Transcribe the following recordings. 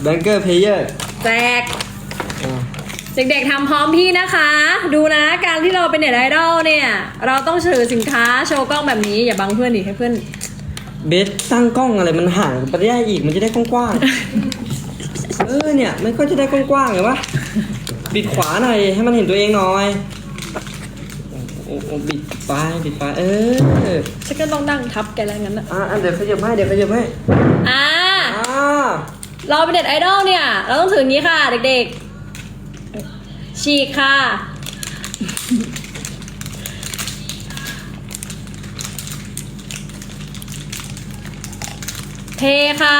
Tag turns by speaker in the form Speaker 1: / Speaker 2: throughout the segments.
Speaker 1: แบงเกอร์เพลเยอร์
Speaker 2: แจกเด็กๆทำพร้อมพี่นะคะ ดูนะการที่เราเป็นเน็ตไอดอลเนี่ยเราต้องถือสินค้าโชว์กล้องแบบนี้อย่าบังเพื่อนดิให้เพื่อน
Speaker 1: เบสตั้งกล้องอะไรมันห่างไปได้อีกมันจะได้กว้างๆเนี่ยมันก็จะได้กว้างๆไงวะบิดขวาหน่อยให้มันเห็นตัวเองหน่อยโอ้บิดไป
Speaker 2: ฉันก็ต้องนั่งทับแกแล้วงั้นนะ
Speaker 1: เดี๋ยวขยับให้
Speaker 2: เราเป็นเน็ตไอดอลเนี่ยเราต้องถืออย่างนี้ค่ะเด็กๆฉีกค่ะเทค่ะ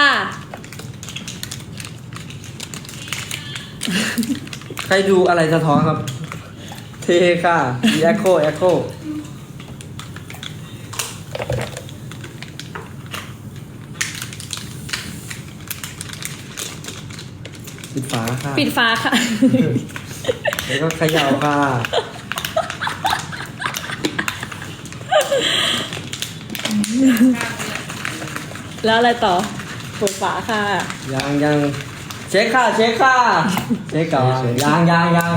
Speaker 1: ใครดูอะไรสะท้อนครับเทค่ะแอคโคปิดฝาค่ะ
Speaker 2: ปิดฝาค่ะ
Speaker 1: แล้วก็เขย่าค่ะ
Speaker 2: แล้วอะไรต่อเปิดฝาค่ะ
Speaker 1: ยังเช็คค่ะเช็คก่อนยัง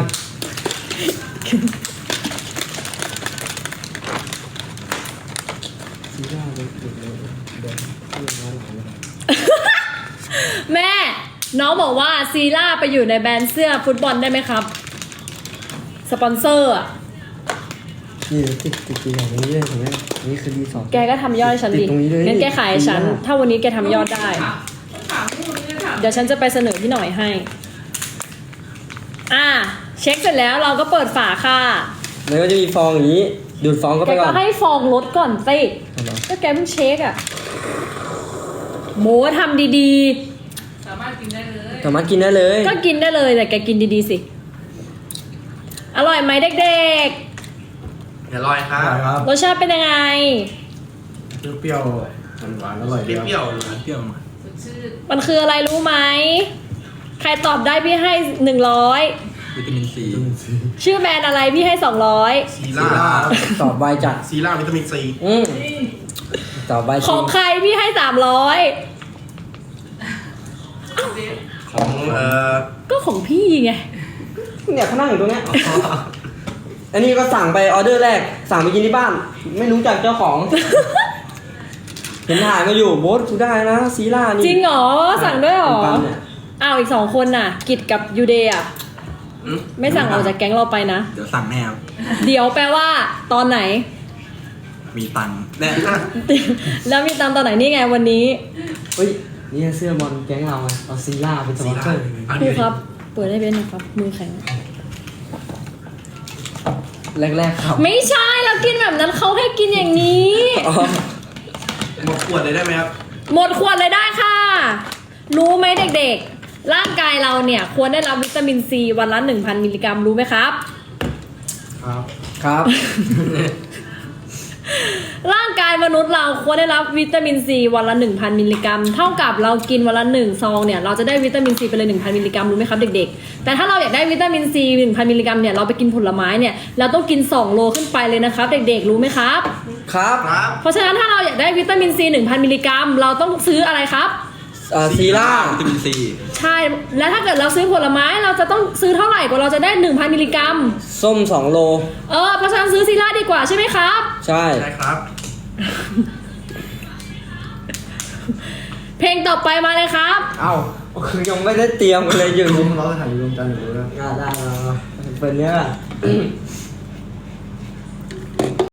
Speaker 2: แม่น้องบอกว่าซีล่าไปอยู่ในแบรนด์เสื้อฟุตบอลได้ไหมครับสปอนเซอร์อ่ะ
Speaker 1: นี่ติดอย่างนี้เลยเห็นไหมนี่คือรีสอร์ท
Speaker 2: แกก็ทำยอดให้ฉันดิ
Speaker 1: ติดตรงนี้เลย
Speaker 2: งั้นแกขายให้ฉันถ้าวันนี้แกทำยอดได้เดี๋ยวฉันจะไปเสนอพี่หน่อยให้เช็คเสร็จแล้วเราก็เปิดฝาค่ะ
Speaker 1: แล้วก็จะมีฟองอย่างนี้ดูดฟองเข้า
Speaker 2: แก
Speaker 1: ไปก่
Speaker 2: ก็
Speaker 1: อน
Speaker 2: ให้ฟองลดก่อนสิก็แกเพิ่งเช็คอ่ะโมทำดี
Speaker 3: สามารถกินได้เลย
Speaker 1: สามารถกินได้เลย
Speaker 2: ๆก็กินได้เลยแต่แกกินดีๆสิอร่อยไหมเด็ก
Speaker 4: อร่อยครับ
Speaker 2: ๆรสชาติเป็นยังไง
Speaker 5: เปรี้ยวๆหวานๆอร่อย
Speaker 4: เป
Speaker 5: ดีครับ
Speaker 4: รี้ยวๆหวาน
Speaker 5: เปรี้ยวมา
Speaker 3: สดชื่น
Speaker 2: มันคืออะไรรู้ไหมใครตอบได้พี่ให้100
Speaker 4: วิตามินซี
Speaker 2: ชื่อแบรนด์อะไรพี่ให้200
Speaker 4: ซีล่า
Speaker 1: ตอบใบจัด
Speaker 4: ซีล่าวิตามินซี
Speaker 1: ตอบใบ
Speaker 2: ของใครพี่ให้300
Speaker 4: ของ
Speaker 2: ก็ของพี่ไง
Speaker 1: เนี่ยเขานั่งอยู่ตรงเนี้ยอันนี้ก็สั่งไปออเดอร์แรกสั่งไปกินที่บ้าน ไม่รู้จักเจ้าของ เห็นถ่ายมาอยู่โบ๊ทกูได้นะซีล่านี่
Speaker 2: จริงเหรอสั่งด้วยเหรอ
Speaker 1: เป็นปั๊มเนี่ย
Speaker 2: อ้าวอีก2คนน่ะ กิจกับยูเดย์อ่ะไม่สั่งออกจากแก๊งเราไปนะ
Speaker 5: เดี๋ยวสั่งแน่ครับ
Speaker 2: เดี๋ยวแปลว่าตอนไหน
Speaker 5: มีตังค์แน่
Speaker 2: แล้วมีตามตอนไหนนี่ไงวันนี้
Speaker 1: เฮ้ยนี่เสื้อบอลแก๊งเราไงเอาซีล่าเป็นสปอนเซอร์
Speaker 2: ครูครับ เปิดให้เบนหน่อยครับมือแข็ง
Speaker 1: แรกๆครับ
Speaker 2: ไม่ใช่เรากินแบบนั้นเขาให้กินอย่างนี้
Speaker 1: อ๋อ
Speaker 4: หมดขวดเลยได้ไหมครับ
Speaker 2: หมดขวดเลยได้ค่ะ รู้ไหมเด็กๆ ร่างกายเราเนี่ยควรได้รับวิตามินซีวันละ 1,000 มิลลิกรัมรู้ไหมครับ
Speaker 1: ครับ
Speaker 2: ร่างกายมนุษย์เราควรได้รับวิตามินซีวันละ 1,000 มิลลิกรัม เท่ากับเรากินวันละ1ซองเนี่ยเราจะได้วิตามินซีไปเลย 1,000 มิลลิกรัมรู้ไหมครับเด็กๆ แต่ถ้าเราอยากได้วิตามินซี 1,000 มิลลิกรัมเนี่ยเราไปกินผลไม้เนี่ยเราต้องกิน2โลขึ้นไปเลยนะครับเด็กๆรู้ไหมครับ
Speaker 1: ครับ
Speaker 4: ครับ
Speaker 2: เพราะฉะนั้นถ้าเราอยากได้วิตามินซี 1,000 มิลลิกรัมเราต้องซื้ออะไรครับ
Speaker 1: ซีล่า
Speaker 5: วิตามินซี
Speaker 2: ใช่ แล้วถ้าเกิดเราซื้อผลไม้เราจะต้องซื้อเท่าไหร่กว่าเราจะได้ 1,000 มิลลิกรัม
Speaker 1: ส้ม2โล
Speaker 2: เพราะฉะนั้นซื้อซีล่าดีกว่าใช่ไหมครับ
Speaker 1: ใช่
Speaker 4: ได้ครับ
Speaker 2: เพลงต่อไปมาเลยครับ
Speaker 1: เอ้าคือยังไม่ได้เตรียมเลยอยู่
Speaker 5: เราจะถ่ายรวมกันหรือว่า
Speaker 1: ได้เป็นเนี้ย